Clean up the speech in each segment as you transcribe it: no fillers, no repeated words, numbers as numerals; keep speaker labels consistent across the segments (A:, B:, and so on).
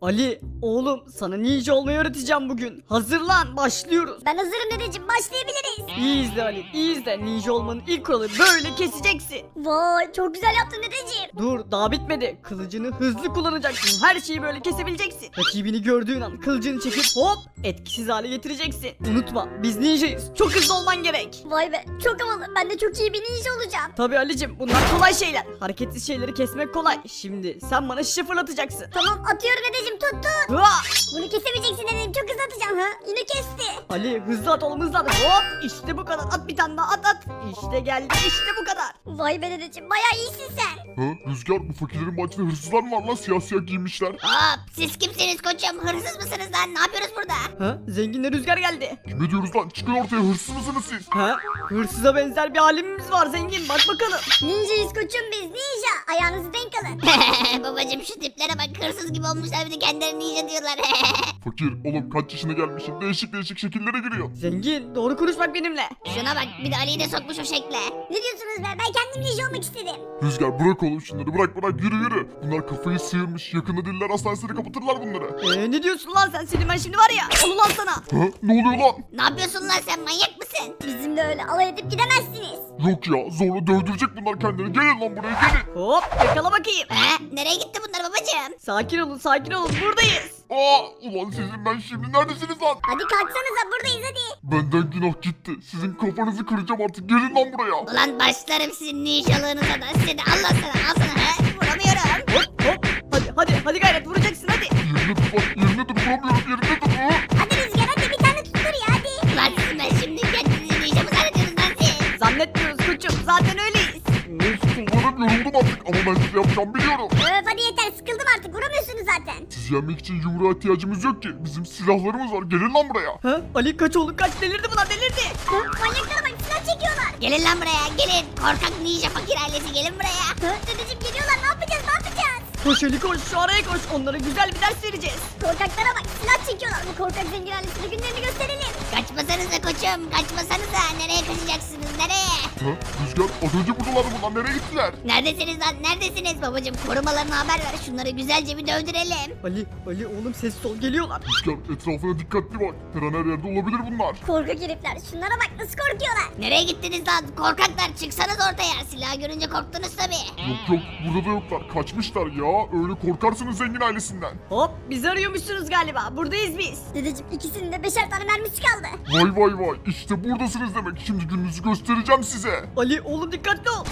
A: Ali oğlum sana ninja olmayı öğreteceğim bugün. Hazırlan başlıyoruz.
B: Ben hazırım dedeciğim, başlayabiliriz.
A: İyi izle Ali iyi izle. Ninja olmanın ilk kuralı böyle keseceksin.
B: Vay, çok güzel yaptın dedeciğim.
A: Dur daha bitmedi. Kılıcını hızlı kullanacaksın. Her şeyi böyle kesebileceksin. Rakibini gördüğün an kılıcını çekip hop etkisiz hale getireceksin. Unutma biz ninjayız. Çok hızlı olman gerek.
B: Vay be, çok havalı. Ben de çok iyi bir ninja olacağım.
A: Tabii Ali'cim bunlar kolay şeyler. Hareketsiz şeyleri kesmek kolay. Şimdi sen bana şişe fırlatacaksın.
B: Tamam, atıyorum dedeciğim, tut.
A: Hua!
B: Bunu kesemeyeceksin dedeciğim, çok hızlı atacağım. Ha, yine kesti.
A: Ali hızlı at oğlum hızlı at. Hop işte bu kadar. At bir tane daha at. İşte geldi işte bu kadar.
B: Vay be dedeciğim, bayağı iyisin sen.
C: Ha Rüzgar, bu fakirlerin bahçede hırsızlar mı var lan, siyah siyah giymişler?
D: Hop, siz kimsiniz koçum? Hırsız mısınız lan? Ne yapıyoruz burada?
A: Ha zenginle rüzgar geldi.
C: Kime diyoruz lan, çıkın ortaya, hırsız mısınız siz?
A: Ha hırsıza benzer bir halimiz var zengin bak bakalım.
B: Ninjayız koçum biz, ninja. Ayağınızı denk alın.
D: Babacım şu tiplere bak, hırsız gibi olmuşlar, bir de kendilerine ninja diyorlar.
C: Fakir oğlum, kaç yaşına gelmişsin, değişik değişik şekillere giriyor.
A: Zengin doğru konuş bak benimle.
D: Şuna bak, bir de Ali'yi de sokmuş o şekle.
B: Ne diyorsunuz be? Ben kendim ninja olmak istedim.
C: Rüzgar bırak oğlum şunları, bırak yürü. Bunlar kafayı sıyırmış, yakında diller hastanesini kapatırlar bunları.
A: Ne diyorsun lan sen senin ben şimdi var ya. Al ulan sana.
C: Ha ne oluyor lan?
D: Ne yapıyorsun lan sen, manyak mısın?
B: Bizimle öyle alay edip gidemezsiniz.
C: Yok ya, zorla dövdürecek bunlar kendilerini, gelin lan buraya gelin.
A: Hop yakala bakayım.
D: Nereye gitti bunlar babacım?
A: Sakin olun buradayız.
C: Ulan sizin ben şimdi, neredesiniz lan?
B: Hadi kalksanıza, buradayız hadi.
C: Benden günah gitti, sizin kafanızı kıracağım artık, gelin lan buraya.
D: Ulan başlarım sizin ninjalığınıza da, size de Allah sana, al sana. Vuramıyorum.
A: Hop hadi gayret vuracaksın hadi.
C: Yerine dur, vuramıyorum, yerine dur.
B: Hadi Rüzgar, hadi bir tane tuttur ya, hadi.
D: Ulan siz ben şimdi kendinizi ninja mı zannediyorsunuz lan siz?
A: Zannetmiyoruz koçum zaten öyleyiz.
C: Kullarım yoruldum artık, ama ben size yapacağım biliyorum.
B: Öf, hadi yeter, sıkıldım artık, vuramıyorsunuz zaten.
C: Sizi yenmek için yumruğa ihtiyacımız yok ki, bizim silahlarımız var, gelin lan buraya.
A: Ha Ali kaç oğlum kaç delirdi bunlar delirdi.
B: Hı, manyaklara bak, silah çekiyorlar.
D: Gelin lan buraya, gelin. Korkak ninja fakir ailesi, gelin buraya.
B: Hı, dedeciğim geliyorlar, ne yapacağız?
A: Koş Ali koş şu araya koş onlara güzel bir ders vereceğiz.
B: Korkaklara bak, silah çekiyorlar. Bu korkak zengin ailesine günlerini gösterelim.
D: Kaçmasanıza koçum, kaçmasanıza. Nereye kaçacaksınız, nereye?
C: Ha Rüzgar, az önce buradalardı bunlar, nereye gittiler?
D: Neredesiniz lan, neredesiniz babacım? Korumalarına haber ver, şunları güzelce bir dövdürelim.
A: Ali oğlum sessiz ol geliyorlar.
C: Rüzgar, etrafına dikkatli bak, her an her yerde olabilir bunlar.
B: Korkak herifler, şunlara bak nasıl korkuyorlar.
D: Nereye gittiniz lan? Korkaklar, çıksanız ortaya. Silah görünce korktunuz tabi.
C: Yok burada da yoklar, kaçmışlar ya, öyle korkarsınız zengin ailesinden.
A: Hop bizi arıyormuşsunuz galiba buradayız biz.
B: Dedeciğim ikisinin de 5'er tane mermisi kaldı.
C: Vay, işte buradasınız demek, şimdi gününüzü göstereceğim size.
A: Ali oğlum dikkatli ol.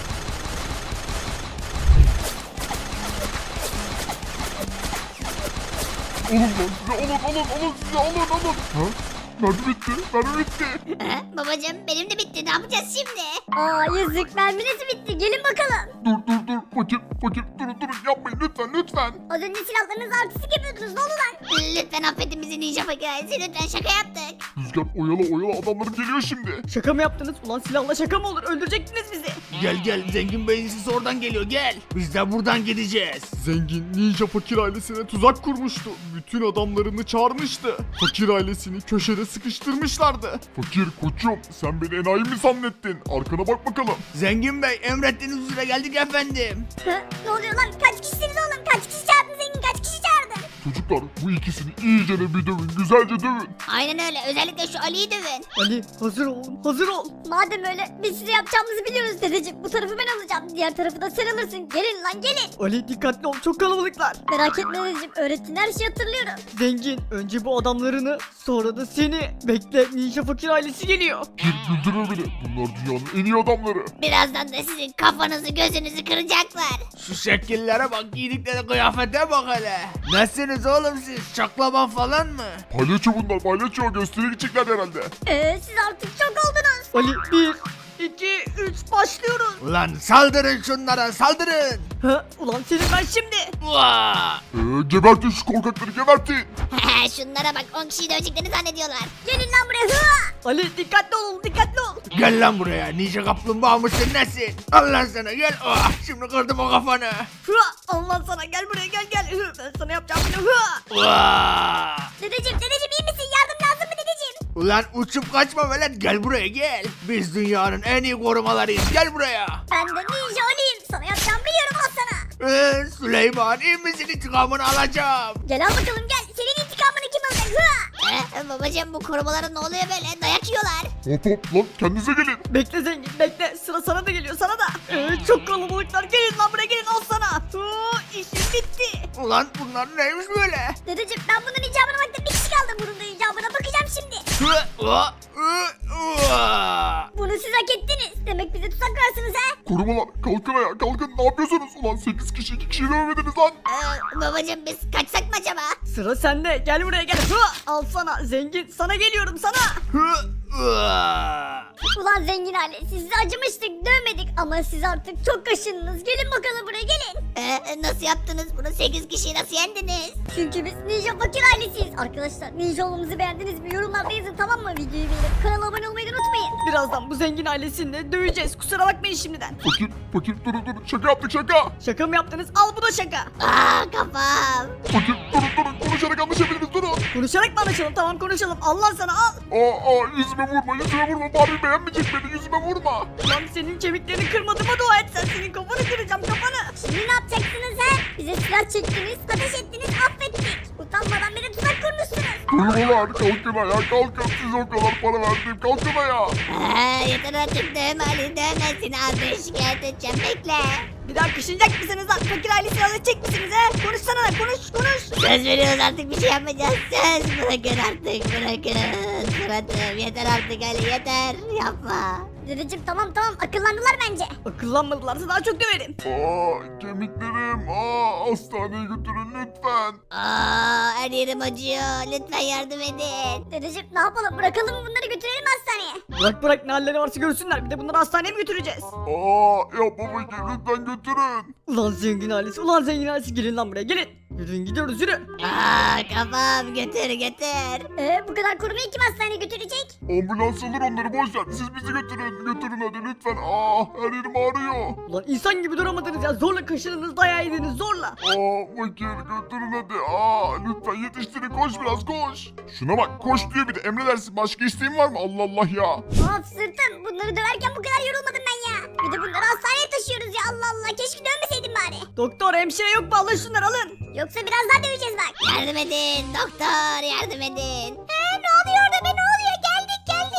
C: Alın size, alın. Ha? Mermi bitti.
D: Babacım benim de bitti, ne yapacağız şimdi?
B: Aa yazık, merminiz bitti. Gelin bakalım.
C: Dur, fakir, durun, yapmayın lütfen.
B: Az önce silahlarınızı artistik yapıyordunuz. Ne oldu lan?
D: Lütfen affedin bizi ninja fakir ailesi, lütfen, şaka yaptık.
C: Rüzgar oyala, adamların geliyor şimdi.
A: Şaka mı yaptınız? Ulan silahla şaka mı olur? Öldürecektiniz bizi.
E: Gel zengin beyin sesi oradan geliyor gel. Biz de buradan gideceğiz.
C: Zengin ninja fakir ailesine tuzak kurmuştu. Bütün adamlarını çağırmıştı. Fakir ailesini köşede sıkıştırmışlardı. Fakir koçum, sen beni enayi mi zannettin? Arkana bak bakalım.
E: Zengin bey emrettiğiniz üzere geldik efendim.
B: Hı? Ne oluyor lan? Kaç kişisiniz oğlum? Kaç kişi çağırdın zengin? Kaç kişi çağırdın?
C: Çocuklar, bu ikisini iyice bir dövün, güzelce dövün.
D: Aynen öyle, özellikle şu Ali'yi dövün.
A: Ali hazır ol hazır ol.
B: Madem öyle, biz size yapacağımızı biliyoruz dedeciğim. Bu tarafı ben alacağım. Diğer tarafı da sen alırsın. Gelin lan gelin.
A: Ali dikkatli ol çok kalabalıklar.
B: Merak etme dedeciğim. Öğrettiğin her şeyi hatırlıyorum.
A: Zengin önce bu adamlarını sonra da seni. Bekle ninja fakir ailesi geliyor.
C: Gir güldürme beni. Bunlar dünyanın en iyi adamları.
D: Birazdan da sizin kafanızı gözünüzü kıracaklar.
E: Şu şekillere bak giydikleri kıyafete bak hele. Nesiniz oğlum siz? Çaklaban falan mı?
C: Palyaço bunlar, palyaço, gösteriye gidecekler herhalde.
B: Siz artık çok oldunuz.
A: Ali 1 2 3 başlıyoruz.
E: Ulan saldırın şunlara saldırın.
A: Ha ulan senin ben şimdi.
E: Vaa!
C: Gebertin şu korkakları, gebertin.
D: Şunlara bak, 10 kişiyi döveceklerini zannediyorlar.
B: Gelin lan buraya. Hı!
A: Ali dikkatli ol dikkatli ol.
E: Gel lan buraya ninja kaplumbağa mısın nesin? Al lan sana gel. Oh, şimdi kırdım o kafanı.
A: Hıa, Allah sana gel buraya gel. Hı, ben sana yapacağım bunu. Hıa.
E: Vaa!
B: Dedeciğim iyi misin? Yardım lazım mı dedeciğim?
E: Ulan uçup kaçma velet gel buraya gel. Biz dünyanın en iyi korumalarıyız gel buraya.
B: Ben de ninja olayım. Sana yapacağımı biliyorum al sana.
E: Süleyman iyi misin, intikamını alacağım.
B: Gel al bakalım gel. Senin intikamını kim alacak? Hı!
D: Babacım bu korumalara ne oluyor böyle? Dayak yiyorlar.
C: Hop hop lan kendinize gelin.
A: Bekle zengin bekle sıra sana da geliyor sana da. Çok kalabalıklar gelin lan buraya gelin al sana. İşim bitti.
E: Ulan bunlar neymiş böyle?
B: Dedeciğim ben bunun icabına baktım. Bir kişi kaldı. Bunun da icabına bakacağım şimdi. Bunu siz hak ettiniz. Demek bize tuzak kurarsınız ha?
C: Korumalar kalkın ayağa kalkın ne yapıyorsunuz? Ulan 8 kişi 2 kişiyi dövmediniz lan.
D: Babacım biz kaçsak mı acaba?
A: Sıra sende gel buraya gel. Al sana zengin sana geliyorum sana.
B: Ulan zengin aile sizi acımıştık dövmedik ama siz artık çok kaşındınız. Gelin bakalım buraya gelin.
D: Nasıl yaptınız bunu? 8 kişiyi nasıl yendiniz?
B: Çünkü biz Ninja Fakir ailesiyiz. Arkadaşlar ninja olmamızı beğendiniz mi? Yorumlarda yazın tamam mı? Videoyu beğenip kanala abone olmayı da unutmayın.
A: Birazdan bu zengin ailesini de döveceğiz kusura bakmayın şimdiden.
C: Fakir durun şaka yaptık şaka.
A: Şaka mı yaptınız al bu da şaka.
D: Kafam.
C: Fakir durun konuşarak anlaşabiliriz durun.
A: Konuşarak mı anlaşalım tamam konuşalım Allah sana al.
C: Yüzüme vurma Barbie beğenmeyecek beni yüzüme vurma.
A: Lan senin kemiklerini kırmadığıma dua et sen senin kafanı kıracağım kafanı.
B: Şimdi ne yapacaksınız ha? Bize silah çektiniz, ateş ettiniz, affettik. Utanmadan beni tuzak kurmuşsunuz.
C: Korumalar kalkın ayağa kalkın size o kadar para verdim kalkın ayağa.
D: Yeter artık dövme Ali dövme seni abi şikayet edeceğim bekle.
A: Bir daha kışınacak mısınız lan? Fakir ailesini alacak misiniz he? Konuşsana lan konuş.
D: Söz veriyoruz artık bir şey yapmayacağız. Söz bırakın artık bırakın. Suratım yeter artık Ali yeter yapma.
B: Dedeciğim tamam akıllandılar bence.
A: Akıllanmadılarsa daha çok döverim.
C: Kemiklerim hastaneye götürün lütfen.
D: Her yerim acıyor lütfen yardım edin.
B: Dedeciğim ne yapalım bırakalım mı bunları götürelim hastaneye.
A: Bırak ne halleri varsa görsünler. Bir de bunları hastaneye mi götüreceğiz?
C: Yapma fakir lütfen götürün.
A: Ulan zengin ailesi gelin lan buraya gelin. Yürüyün gidiyoruz yürü.
D: Kafam götür.
B: Bu kadar korumayı kim hastaneye götürecek?
C: Ambulans alır onları boş ver siz bizi götürün hadi lütfen. Her yerim ağrıyor.
A: Ulan insan gibi duramadınız ya. Zorla kaşındınız dayağı yediniz zorla.
C: Fakir götürün hadi. Lütfen yetiştirin koş biraz koş. Şuna bak koş diyor bir de emredersin başka isteğin var mı Allah Allah ya.
B: Of sırtım bunları döverken bu kadar yorulmadım ben ya. Bir de bunları hastaneye taşıyoruz ya Allah Allah keşke dövmeseydim bari.
A: Doktor hemşire yok mu alın şunları alın.
B: Yoksa biraz daha döveceğiz bak.
D: Yardım edin doktor yardım edin.
B: Ne oluyor orada be ne oluyor geldik.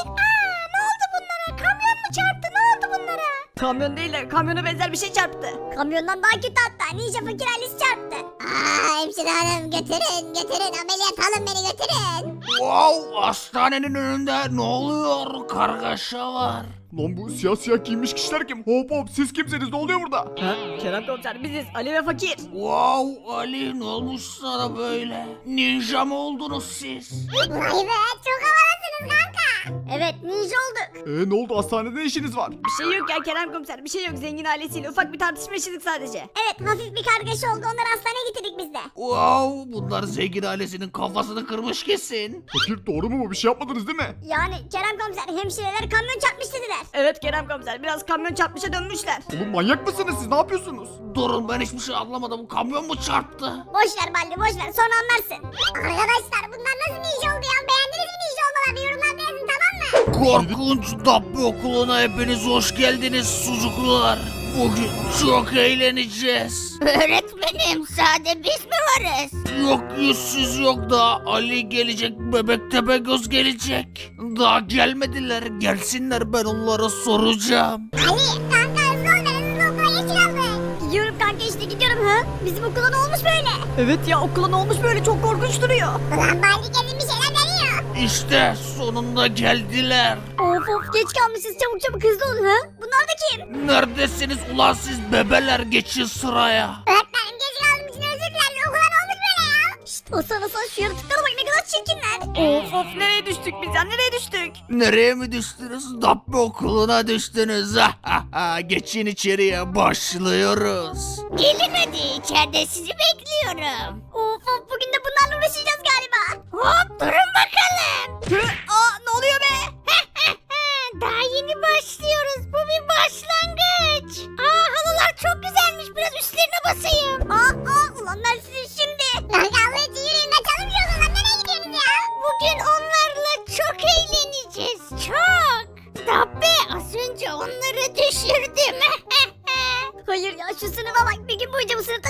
B: Ne oldu bunlara kamyon mu çarptı ne oldu bunlara?
A: Kamyon değil de kamyona benzer bir şey çarptı.
B: Kamyondan daha kötü hatta Ninja Fakir ailesi çarptı.
D: Hemşire hanım götürün ameliyat alın beni götürün.
E: Wow, hastanenin önünde ne oluyor? Kargaşa var.
C: Lan bu siyah giymiş kişiler kim? Hop siz kimsiniz ne oluyor burada?
A: Ha? Kerem komiser biziz Ali ve Fakir.
E: Wow Ali ne olmuş sana böyle? Ninja mı oldunuz siz?
B: Vay be çok havalısınız kanka. Evet ninja olduk.
C: Ne oldu hastanede ne işiniz var?
A: Bir şey yok ya Kerem komiser bir şey yok zengin ailesiyle ufak bir tartışma yaşadık sadece.
B: Evet hafif bir kargaşa oldu onları hastaneye getirdik biz de.
E: Wow bunlar zengin ailesinin kafasını kırmış kesin.
C: Fakir doğru mu bu bir şey yapmadınız değil mi?
B: Yani Kerem komiser hemşireler kamyon çarpmış dediler.
A: Evet Kerem komiser biraz kamyon çarpmışa dönmüşler.
C: Oğlum manyak mısınız siz ne yapıyorsunuz?
E: Durun ben hiçbir şey anlamadım. Kamyon mu çarptı?
B: Boş ver Baldi boş ver sonra anlarsın. Arkadaşlar bunlar nasıl ninja oldu ya beğendiniz mi ninja olmalarını yorumlarda yazın tamam mı?
E: Korkunç Dabbe okuluna hepiniz hoş geldiniz sucuklar. Bugün çok eğleneceğiz.
D: Öğretmenim sade biz mi varız?
E: Yok yüzsüz yok da Ali gelecek, bebek Tepegöz gelecek. Daha gelmediler, gelsinler ben onlara soracağım.
B: Ali kanka hızlı ol hızlı okula geç kaldık. Gidiyorum kanka işte gidiyorum ha. Bizim okula ne olmuş böyle?
A: Evet ya okula ne olmuş böyle çok korkunç duruyor.
B: Ulan Baldi kesin bir şeyler deniyor.
E: İşte sonunda geldiler.
B: Of geç kalmışız çabuk hızlı olun ha. Bunlar da kim?
E: Neredesiniz ulan siz bebeler, geçin sıraya.
B: Öğretmenim geç kaldığım için özür dilerim. Okula ne olmuş böyle ya? Şşt o sana şu yaratıklara bak ne kadar çirkinler.
A: Of nereye düştük biz ya nereye düştük?
E: Nereye mi düştünüz? Dabbe okuluna düştünüz. Geçin içeriye, başlıyoruz.
D: Gelin hadi içeride sizi bekliyorum.
B: Of bugün de bunlarla uğraşacağız galiba.
D: Hop durun bakalım.
A: Ne oluyor be?
D: Daha yeni başlıyoruz. Bu bir başlangıç. Halılar çok güzelmiş. Biraz üstlerine basayım.
B: Ulan ben sizi şimdi. Lan kavga için yürüyün kaçalım şu okuldan nereye gidiyorsunuz ya?
D: Bugün onlarla çok eğleneceğiz. Çok. Tabii az önce onları düşürdüm.
B: Hayır ya şu sınıfa bak bir gün boyunca bu sınıfta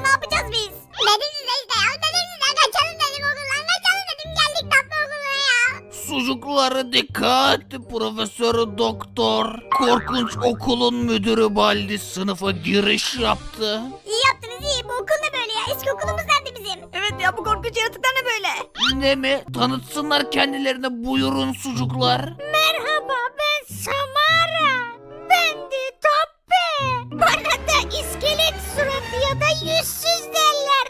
E: Sucukları dikkat. Profesör Doktor. Korkunç okulun müdürü Baldi sınıfa giriş yaptı.
B: İyi yaptınız iyi. Bu okul ne böyle ya? Eski okulumuz nerede bizim?
A: Evet ya bu korkunç yaratıklar ne böyle?
E: Ne mi? Tanıtsınlar kendilerine, buyurun sucuklar.
D: Merhaba, ben Samara. Ben de Toppe. Bana da iskelet suratı ya da yüzsüz derler.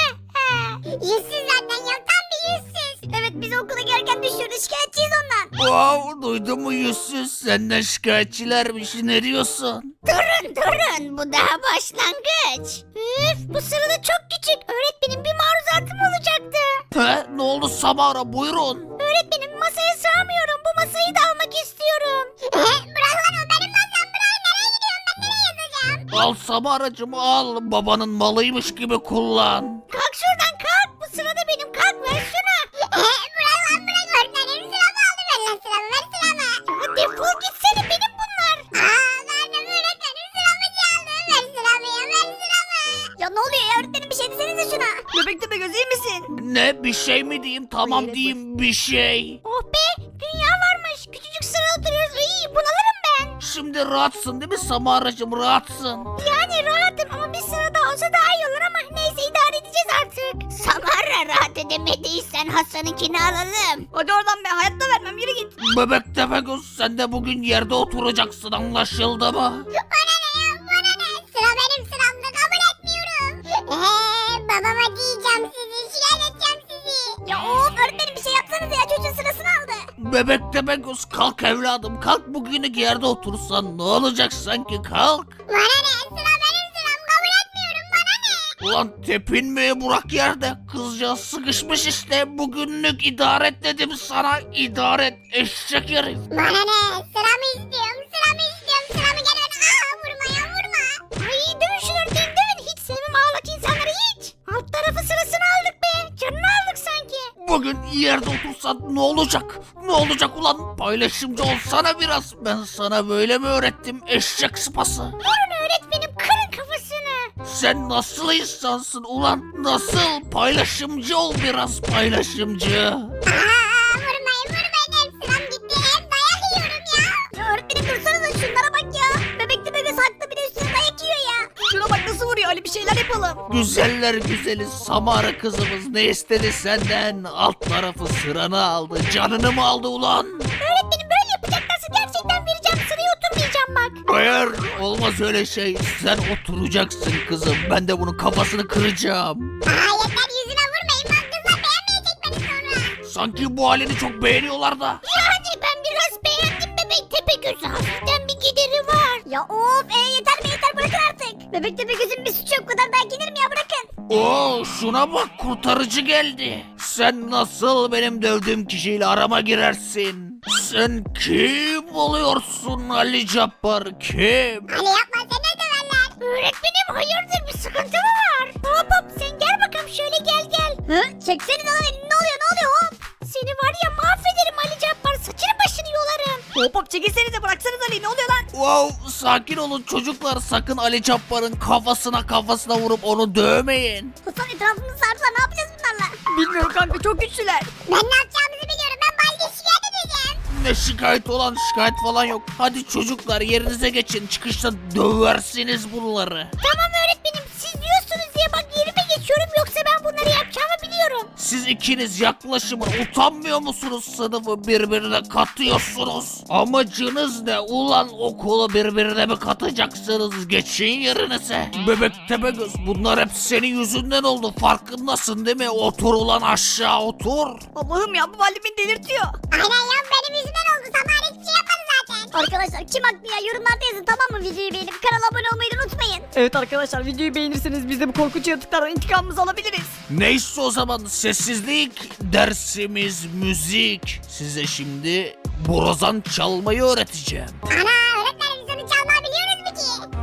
B: Yüzsüz zaten ya. Tam bir yüzsüz. Evet biz okula gelirken düşürdü. Şikayetçiyiz ondan.
E: Wow, duydun mu yüzsüz? Senden şikayetçilermiş, ne diyorsun?
D: Durun, bu daha başlangıç. Üf, bu sırada çok küçük. Öğretmenim bir maruzatım olacaktı.
E: He, ne oldu Samara, buyurun.
D: Öğretmenim masaya sığamıyorum. Bu masayı da almak istiyorum.
B: Bırak lan o benim masam. Bırak nereye gidiyorum ben nereye yazacağım?
E: Al Samaracığım al, babanın malıymış gibi kullan.
D: Kalk şuradan kalk. Bu sırada benim. Kalk ver şunu.
B: Bırak lan bırak öğretmenim sıramı aldı ver lan sıramı ver sıramı.
D: Ya defol gitsene, benim bunlar.
B: Vermem öğretmenim sıramı çaldı ver sıramı ya ver sıramı. Ya ne oluyor ya öğretmenim bir şey desenize şuna.
A: Bebek Tepegöz iyi misin?
E: Ne, bir şey mi diyeyim? Tamam diyeyim, bir şey.
D: Oh be, dünya varmış. Küçücük sırada oturuyoruz. İyi, bunalırım ben.
E: Şimdi rahatsın değil mi Samaracığım, rahatsın.
D: Yani rahatım ama bir sırada olsa daha iyi olur ama neyse idare edeceğiz artık. Samara rahat edemediysen Hasan'ınkini alalım.
A: Hadi oradan be hayatta vermem yürü git.
E: Bebek Tepegöz, sen de bugün yerde oturacaksın, anlaşıldı mı?
B: Bana ne ya bana ne sıra benim sıramda kabul etmiyorum. Babama diyeceğim sizi şikayet edeceğim sizi. Ya of öğretmenim bir şey yapsanız ya çocuğun sırasını aldı.
E: Bebek Tepegöz, kalk evladım, kalk, bugünü yerde otursan ne olacak sanki, kalk.
B: Bana ne sıra benim sıram kabul etmiyorum bana ne.
E: Ulan tepinmeye bırak yerde, kızcağız sıkışmış işte, bugünlük idare et dedim sana, idare et eşek herif.
B: Bana ne sıramı istiyorum sıramı gel öyle vurma ya vurma.
D: Ay dövün şunu öğretmenim dövün. Hiç sevmem ağlak insanları hiç. Alt tarafı sırasını aldık be. Canını aldık sanki.
E: Bugün yerde otursan ne olacak? Ne olacak ulan? Paylaşımcı olsana biraz. Ben sana böyle mi öğrettim eşek sıpası?
D: Vurun öğretmenim, kırın kafasını.
E: Sen nasıl insansın ulan? Nasıl? Paylaşımcı ol biraz, paylaşımcı.
B: Vurmayın hem sıram gitti hem dayak yiyorum ya. Ya öğretmenim dursanıza şunlara bak ya. Bebek de bebek haklı bir de üstüne dayak yiyor ya.
A: Şuna bak nasıl vuruyor Ali bir şeyler yapalım.
E: Güzeller güzeli Samara kızımız ne istedi senden? Alt tarafı sıranı aldı. Canını mı aldı ulan?
D: Öğretmenim böyle yapacaklarsa gerçekten vereceğim, sıraya oturmayacağım bak.
E: Hayır, olmaz öyle şey. Sen oturacaksın kızım. Ben de bunun kafasını kıracağım.
B: Yeter yüzüme vurmayın bak kızlar beğenmeyecek beni sonra.
E: Sanki bu halini çok beğeniyorlar da.
D: Yani ben biraz beğendim bebek Tepegöz'ü, hafiften bir gideri var.
B: Ya of yeter mi yeter bırakın artık. Bebek de gözün bir suçu yok bu kadar dayak yenir mi ya bırakın.
E: Oo, şuna bak, kurtarıcı geldi. Sen nasıl benim dövdüğüm kişiyle arama girersin? Sen kim oluyorsun Ali Cabbar, kim?
B: Ali yapma seni de döverler.
D: Öğretmenim hayırdır, bir sıkıntı mı var? Hop sen gel bakalım şöyle gel.
B: Çeksenize lan elini ne oluyor hop.
D: Seni var ya mahvederim Ali Cabbar, saçını başını yolarım.
A: Hop hop çekilsenize bıraksanız Ali ne oluyor lan?
E: Wow, sakin olun çocuklar, sakın Ali Cabbar'ın kafasına vurup onu dövmeyin.
B: Hasan etrafımızı sardılar ne yapacağız bunlarla?
A: Bilmiyorum kanka çok güçlüler.
B: Ben ne yapacağımızı biliyorum ben Baldi'ye şikayet edeceğim.
E: Ne şikayet olan, şikayet falan yok. Hadi çocuklar yerinize geçin, çıkışta döversiniz bunları.
D: Tamam öğretmenim, siz diyorsunuz diye bak yerime geçiyorum, yoksa ben bunları yapacağımı biliyorum.
E: Siz ikiniz yaklaşımın utanmıyor musunuz, sınıfı birbirine katıyorsunuz? Amacınız ne ulan, okulu birbirine mi katacaksınız, geçin yerinize. Bebek Tepegöz, bunlar hep senin yüzünden oldu, farkındasın değil mi? Otur ulan aşağı, otur.
A: Allah'ım ya bu Baldi beni delirtiyor.
B: Aynen ya benim yüzümden oldu Samara hiçbir şey yapmadı zaten. Arkadaşlar kim haklı ya yorumlarda yazın tamam mı videoyu beğenip kanala abone olmayı da unutmayın.
A: Evet arkadaşlar videoyu beğenirseniz biz de bu korkunç yaratıklardan intikamımızı alabiliriz.
E: Neyse o zaman sessizlik, dersimiz müzik. Size şimdi borazan çalmayı öğreteceğim.
B: Ana öğretmenim biz onu çalmayı biliyoruz mu ki?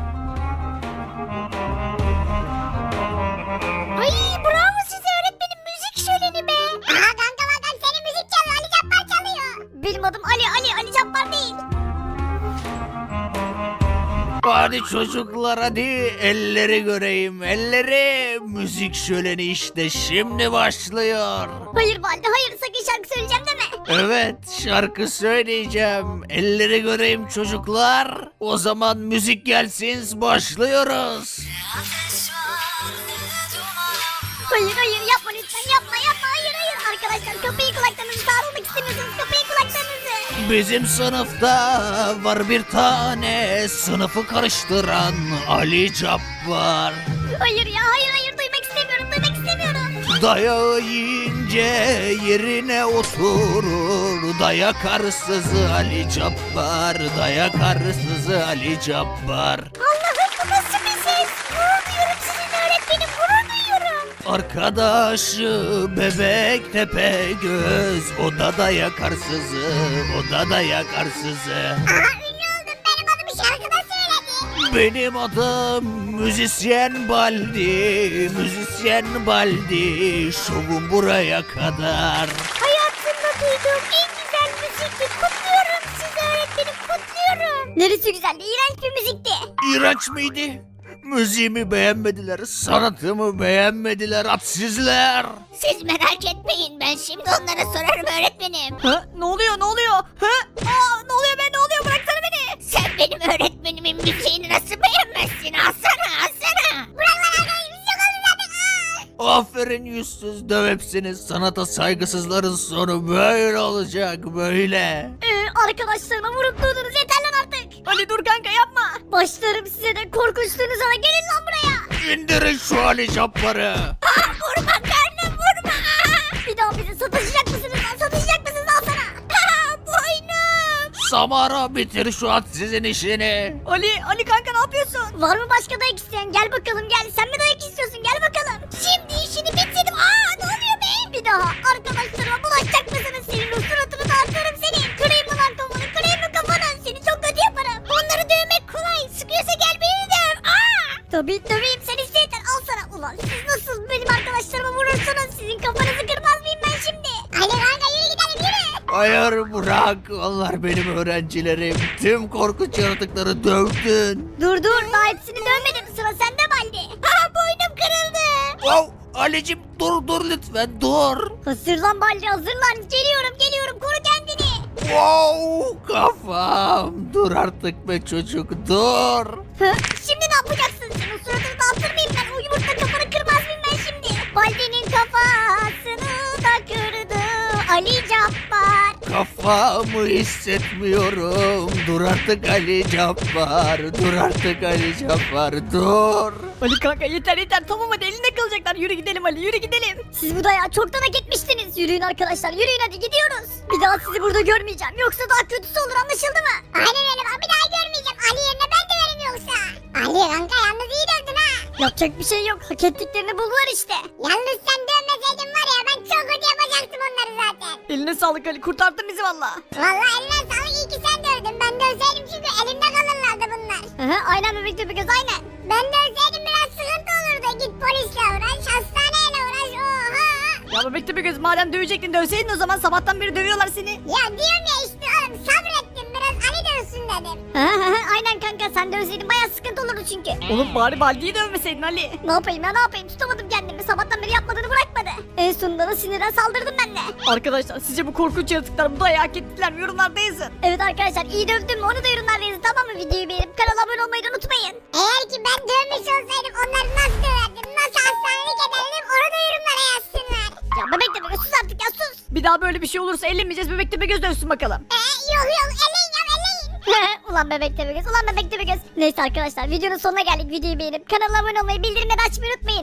D: Ay bravo size öğretmenim, müzik şöleni be.
B: Aha kanka bakalım senin müzik çalıyor Ali Cabbar çalıyor. Benim adım Ali Cabbar değil.
E: Hadi çocuklar hadi elleri göreyim elleri. Müzik şöleni işte şimdi başlıyor.
B: Hayır Baldi hayır sakın şarkı söyleyeceğim deme.
E: Evet şarkı söyleyeceğim. Elleri göreyim çocuklar. O zaman müzik gelsin başlıyoruz.
B: Hayır yapma lütfen yapma hayır. Arkadaşlar kapıyı kulaklarınızı sağlamak istemiyorsunuz kapıyı kulaklarınızı.
E: Bizim sınıfta var bir tane sınıfı karıştıran Ali Cabbar.
B: Hayır duymak istemiyorum.
E: Dayağı yiyince yerine oturur. Dayak arsızı Ali Cabbar. Dayak arsızı Ali Cabbar.
B: Allah'ım bu nasıl bir ses? Gurur duyuyorum sizinle öğretmenim gurur duyuyorum.
E: Arkadaşı bebek tepe göz. O da dayak arsızı. O da dayak arsızı.
B: Aha ünlü oldum benim adımı şarkıda söyledi.
E: Benim adım Müzisyen Baldi. Müzisyen Baldi. Şovum buraya kadar.
B: Hayatımda duyduğum en güzel müzikti. Kutluyorum sizi öğretmenim kutluyorum. Neresi güzeldi? İğrenç bir müzikti.
E: İğrenç miydi? Müziğimi beğenmediler, sanatımı beğenmediler, hadsizler.
B: Siz merak etmeyin ben şimdi onlara sorarım öğretmenim.
A: Ha? Ne oluyor? Ha? Ne oluyor be? Ne oluyor? Bıraksana beni.
B: Sen benim öğretmenimin müziğini nasıl beğenmezsin? Alsana. Bırak lan arkadaşım biz yok oldu zaten.
E: Aferin yüzsüz döv hepsini. Sanata saygısızların sonu böyle olacak, böyle.
B: Arkadaşlarıma vurup durdunuz yeter lan artık.
A: Ali dur kanka yapma.
B: Başlarım size de korkunçluğunuza da gelin lan buraya.
E: İndirin şu Ali Cabbar'ı.
B: Vurma karnım vurma. Bir daha bizi satışacak mısınız lan satışacak mısınız alsana. Boynum.
E: Samara bitir şu hadsizin işini.
A: Ali kanka ne yapıyorsun?
B: Var mı başka dayak isteyen gel bakalım gel. Sen mi dayak istiyorsun gel bakalım. Şimdi işini bitirdim. Ne oluyor be? Bir daha arkadaşlarıma bulaşacak mısınız? Senin o suratını dağıtırım senin. Kırayım mı lan kafanı kırayım mı kafanı? Seni çok kötü yaparım. Onları dövmek kolay. Sıkıyorsa gel beni döv. Tabii döveyim sen istedin al sana. Ulan siz nasıl benim arkadaşlarıma vurursunuz? Sizin kafanızı kırmaz mıyım ben şimdi? Hadi kanka yürü gidelim yürü.
E: Hayır bırak, onlar benim öğrencilerim. Tüm korkunç yaratıkları dövdün.
B: Dur daha hepsini dövmedim. Sıra sende Baldi. Boynum kırıldı.
E: Wow, Ali'cim dur lütfen dur.
B: Hazırlan Baldi hazırlan. Geliyorum koru kendini.
E: Wow, kafam. Dur artık be çocuk dur.
B: Şimdi ne yapacaksın? Senin suratını dağıtır mıyım ben? O yumurta kafanı kırmaz mıyım ben şimdi? Baldi'nin kafasını da kırdı Ali Cabbar.
E: Kafamı hissetmiyorum. Dur artık Ali Cabbar. Dur artık Ali Cabbar dur.
A: Ali kanka yeter tamam hadi elinde kalacaklar. Yürü gidelim Ali yürü gidelim.
B: Siz bu dayağı çoktan hak etmiştiniz. Yürüyün arkadaşlar yürüyün hadi gidiyoruz. Bir daha sizi burada görmeyeceğim. Yoksa daha kötüsü olur anlaşıldı mı? Aynen öyle ben bir daha görmeyeceğim. Ali yerine ben döverim yoksa. Ali kanka yalnız iyi dövdün ha.
A: Yapacak bir şey yok. Hak ettiklerini buldular işte.
B: Yalnız sen dövmeseydin var ya ben çok kötü yapacaktım onları zaten.
A: Eline sağlık Ali kurtardın bizi valla.
B: Vallahi eline sağlık iyi ki sen dövdün. Ben dövseydim çünkü elimde kalırlardı bunlar. Aynen bebek göz aynen. Ben dövseydim biraz sıkıntı olurdu. Git polisle uğraş hastaneyle uğraş oha.
A: Ya bebekte bir göz madem dövecektin dövseydin o zaman sabahtan beri dövüyorlar seni.
B: Ya diyorum ya işte oğlum sabrettim biraz Ali dövsün dedim. Aynen kanka sen dövseydin baya sıkıntı olurdu çünkü.
A: Oğlum bari Baldi'yi dövmeseydin Ali.
B: Ne yapayım tutamadım kendimi sabahtan beri yapmadığını bırakmadı. En sonunda da sinirden saldırdım ben de.
A: Arkadaşlar sizce bu korkunç yaratıklar bu dayağı hak ettiler mi? Yorumlarda yazın.
B: Evet arkadaşlar iyi dövdüm mü onu da yorumlarda yazın tamam mı? Videoyu beğenip kanala abone olmayı da unutmayın. Eğer ki ben dövmüş olsaydım onları nasıl döverdim nasıl hastanelik ederdim onu da yorumlara yazsınlar. Ya bebek de sus artık ya sus.
A: Bir daha böyle bir şey olursa ellemeyeceğiz bebekte bir göz dövsün bakalım.
B: Yok eleyin ya eleyin. Ulan bebek de bir göz. Neyse arkadaşlar videonun sonuna geldik. Videoyu beğenip kanala abone olmayı bildirimleri açmayı unutmayın.